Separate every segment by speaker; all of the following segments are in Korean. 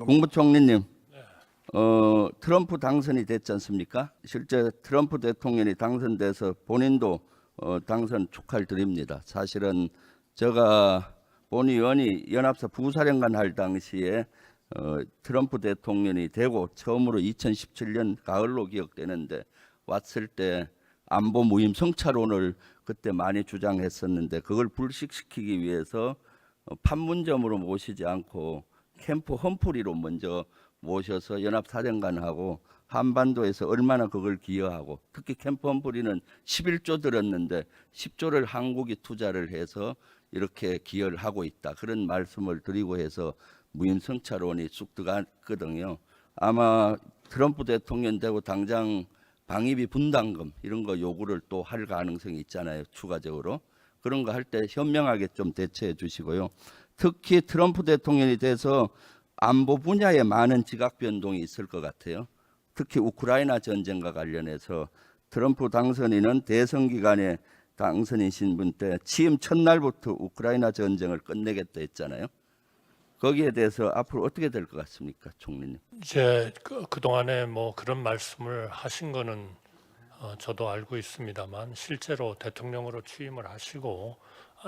Speaker 1: 국무총리님, 트럼프 당선이 됐지 않습니까? 실제 트럼프 대통령이 당선돼서 본인도 당선 축하를 드립니다. 사실은 제가 본 의원이 연합사 부사령관 할 당시에 트럼프 대통령이 되고 처음으로 2017년 가을로 기억되는데 왔을 때 안보 무임 성차론을 그때 많이 주장했었는데 그걸 불식시키기 위해서 판문점으로 모시지 않고 캠프 험프리로 먼저 모셔서 연합사령관하고 한반도에서 얼마나 그걸 기여하고 특히 캠프 험프리는 11조 들었는데 10조를 한국이 투자를 해서 이렇게 기여를 하고 있다. 그런 말씀을 드리고 해서 무임성차론이 쑥 들어갔거든요. 아마 트럼프 대통령 되고 당장 방위비 분담금 이런 거 요구를 또 할 가능성이 있잖아요. 추가적으로. 그런 거 할 때 현명하게 좀 대처해 주시고요. 특히 트럼프 대통령이 돼서 안보 분야에 많은 지각 변동이 있을 것 같아요. 특히 우크라이나 전쟁과 관련해서 트럼프 당선인은 대선 기간에 당선이신 분 때 취임 첫날부터 우크라이나 전쟁을 끝내겠다 했잖아요. 거기에 대해서 앞으로 어떻게 될 것 같습니까, 총리님?
Speaker 2: 이제 그동안에 뭐 그런 말씀을 하신 거는 저도 알고 있습니다만 실제로 대통령으로 취임을 하시고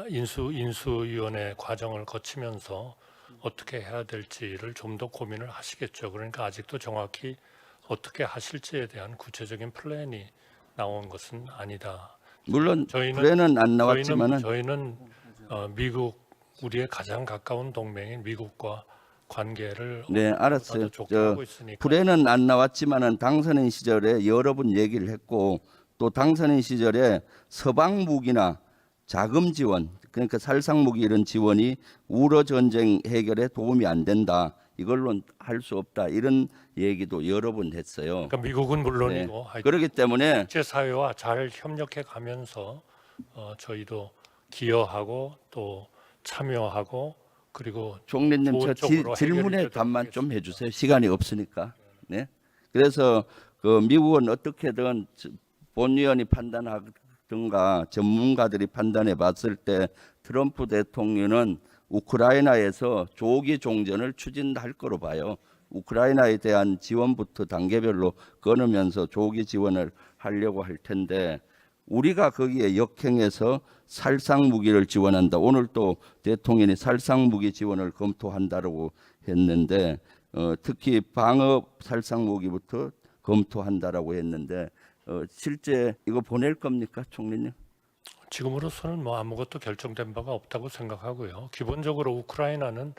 Speaker 2: 인수위원회 과정을 거치면서 어떻게 해야 될지를 좀 더 고민을 하시겠죠. 그러니까 아직도 정확히 어떻게 하실지에 대한 구체적인 플랜이 나온 것은 아니다.
Speaker 1: 물론 플랜은 안 나왔지만은
Speaker 2: 저희는 미국 우리의 가장 가까운 동맹인 미국과 관계를
Speaker 1: 네, 알았어요.
Speaker 2: 좋게 하고 있으니까.
Speaker 1: 플랜은 안 나왔지만은 당선인 시절에 여러 번 얘기를 했고 또 당선인 시절에 서방 무기나 자금 지원 그러니까 살상 무기 이런 지원이 우러 전쟁 해결에 도움이 안 된다. 이걸로는 할 수 없다. 이런 얘기도 여러 번 했어요.
Speaker 2: 그러니까 미국은 물론이고
Speaker 1: 그렇기 때문에
Speaker 2: 국제 사회와 잘 협력해 가면서 저희도 기여하고 또 참여하고 그리고
Speaker 1: 총리님 저 질문에 답만 좀 해주세요. 시간이 없으니까. 네. 그래서 그 미국은 어떻게든 본위원이 판단하든가 전문가들이 판단해 봤을 때 트럼프 대통령은 우크라이나에서 조기 종전을 추진할 거로 봐요. 우크라이나에 대한 지원부터 단계별로 끊으면서 조기 지원을 하려고 할 텐데 우리가 거기에 역행해서 살상 무기를 지원한다. 오늘 또 대통령이 살상 무기 지원을 검토한다고 했는데 특히 방어 살상 무기부터 검토한다라고 했는데 실제 이거 보낼 겁니까, 총리님?
Speaker 2: 지금으로서는 뭐 아무것도 결정된 바가 없다고 생각하고요. 기본적으로 우크라이나는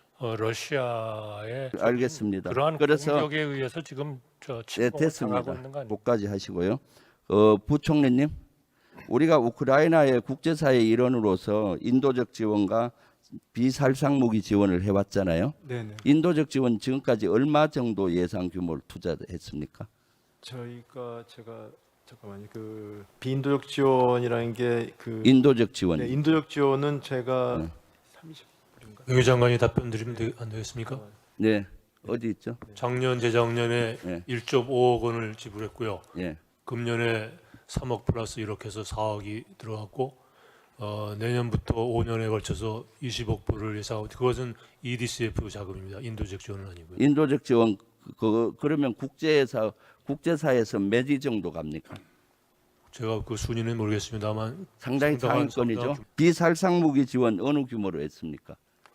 Speaker 2: 러시아의
Speaker 1: 알겠습니다.
Speaker 2: 그러한
Speaker 1: 그래서
Speaker 2: 공격에 의해서 지금 침공을 당하고 있는 거 아닙니까?
Speaker 1: 목까지 하시고요. 부총리님, 우리가 우크라이나의 국제사회 일원으로서 인도적 지원과 비살상 무기 지원을 해왔잖아요.
Speaker 3: 네네.
Speaker 1: 인도적 지원 지금까지 얼마 정도 예상 규모를 투자했습니까?
Speaker 3: 저희가 잠깐만요. 그 비인도적 지원이라는 게 그
Speaker 1: 인도적 지원.
Speaker 3: 네, 인도적 지원은 제가 30불인가?
Speaker 4: 외교 장관이 답변 드리면 안 되겠습니까?
Speaker 1: 네, 어디 있죠?
Speaker 4: 작년 재작년에
Speaker 1: 네.
Speaker 4: 1.5억 원을 지불했고요.
Speaker 1: 예,
Speaker 4: 금년에 3억 플러스 이렇게 해서 4억이 들어갔고 내년부터 5년에 걸쳐서 20억 불을 예상하고 그것은 EDCF 자금입니다. 인도적 지원은 아니고요.
Speaker 1: 인도적 지원 그러면 국제사에서 몇 위 정도 갑니까?
Speaker 4: 제가 그 순위는 모르겠습니다만
Speaker 1: 상당히
Speaker 4: 상당한
Speaker 1: 상위권이죠. 비살상 무기 지원 어느 규모로 했습니까?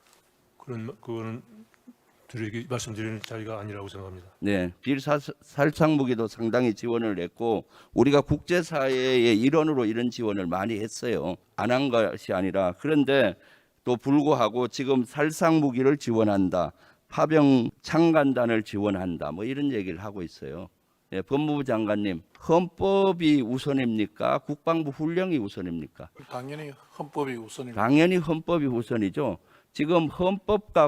Speaker 4: 그거는 말씀드리는 자리가 아니라고 생각합니다.
Speaker 1: 네, 비살상 무기도 상당히 지원을 했고 우리가 국제사회의 일원으로 이런 지원을 많이 했어요. 안 한 것이 아니라 그런데 또 불구하고 지금 살상 무기를 지원한다. 파병 창간단을 지원한다. 뭐 이런 얘기를 하고 있어요. 네, 법무부 장관님, 헌법이 우선입니까? 국방부 훈령이 우선입니까?
Speaker 5: 당연히 헌법이 우선입니다.
Speaker 1: 당연히 헌법이 우선이죠. 지금 헌법과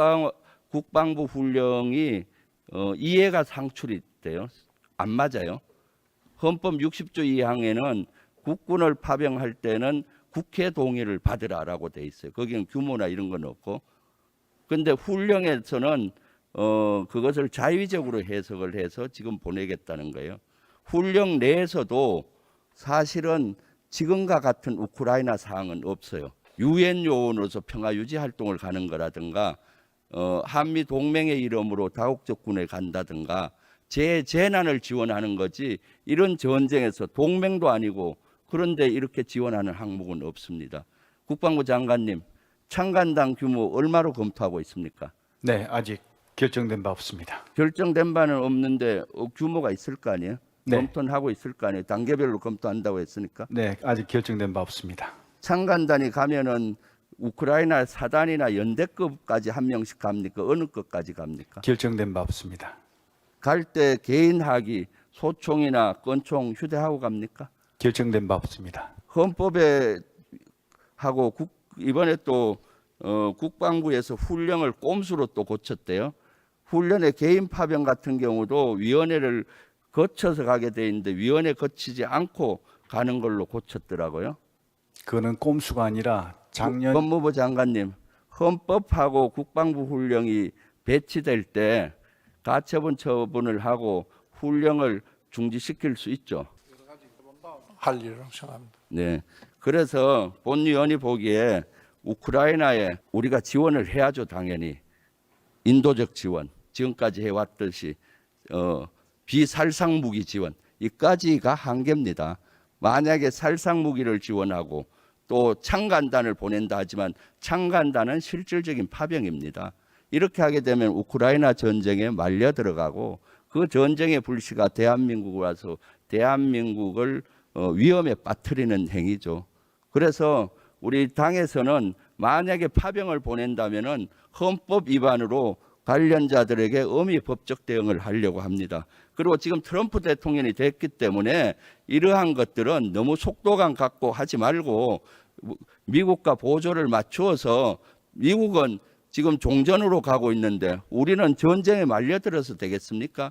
Speaker 1: 국방부 훈령이 이해가 상출이 돼요. 안 맞아요. 헌법 60조 2항에는 국군을 파병할 때는 국회 동의를 받으라라고 돼 있어요. 거기는 규모나 이런 건 없고. 그런데 훈령에서는 그것을 자의적으로 해석을 해서 지금 보내겠다는 거예요. 훈령 내에서도 사실은 지금과 같은 우크라이나 사항은 없어요. 유엔 요원으로서 평화 유지 활동을 가는 거라든가 한미 동맹의 이름으로 다국적군에 간다든가 재난을 지원하는 거지 이런 전쟁에서 동맹도 아니고 그런데 이렇게 지원하는 항목은 없습니다. 국방부 장관님, 창간당 규모 얼마로 검토하고 있습니까?
Speaker 3: 네, 아직 결정된 바 없습니다.
Speaker 1: 결정된 바는 없는데 규모가 있을 거 아니에요?
Speaker 3: 네.
Speaker 1: 검토는 하고 있을 거 아니에요? 단계별로 검토한다고 했으니까.
Speaker 3: 네, 아직 결정된 바 없습니다.
Speaker 1: 창간단이 가면은 우크라이나 사단이나 연대급까지 한 명씩 갑니까? 어느 급까지 갑니까?
Speaker 3: 결정된 바 없습니다.
Speaker 1: 갈 때 개인 하기, 소총이나 권총 휴대하고 갑니까?
Speaker 3: 결정된 바 없습니다.
Speaker 1: 헌법에 하고 이번에 또 국방부에서 훈령을 꼼수로 또 고쳤대요. 훈련의 개인 파병 같은 경우도 위원회를 거쳐서 가게 돼 있는데 위원회 거치지 않고 가는 걸로 고쳤더라고요.
Speaker 3: 그거는 꼼수가 아니라 작년
Speaker 1: 법무부 장관님, 헌법하고 국방부 훈령이 배치될 때 가처분 처분을 하고 훈령을 중지시킬 수 있죠.
Speaker 5: 할 일이라고 생각합니다.
Speaker 1: 네. 그래서 본위원이 보기에 우크라이나에 우리가 지원을 해야죠, 당연히. 인도적 지원, 지금까지 해왔듯이 비살상 무기 지원, 이까지가 한계입니다. 만약에 살상 무기를 지원하고 또 창간단을 보낸다 하지만 창간단은 실질적인 파병입니다. 이렇게 하게 되면 우크라이나 전쟁에 말려 들어가고 그 전쟁의 불씨가 대한민국에 와서 대한민국을 위험에 빠뜨리는 행위죠. 그래서 우리 당에서는 만약에 파병을 보낸다면은 헌법 위반으로 관련자들에게 엄히 법적 대응을 하려고 합니다. 그리고 지금 트럼프 대통령이 됐기 때문에 이러한 것들은 너무 속도감 갖고 하지 말고 미국과 보조를 맞추어서 미국은 지금 종전으로 가고 있는데 우리는 전쟁에 말려들어서 되겠습니까?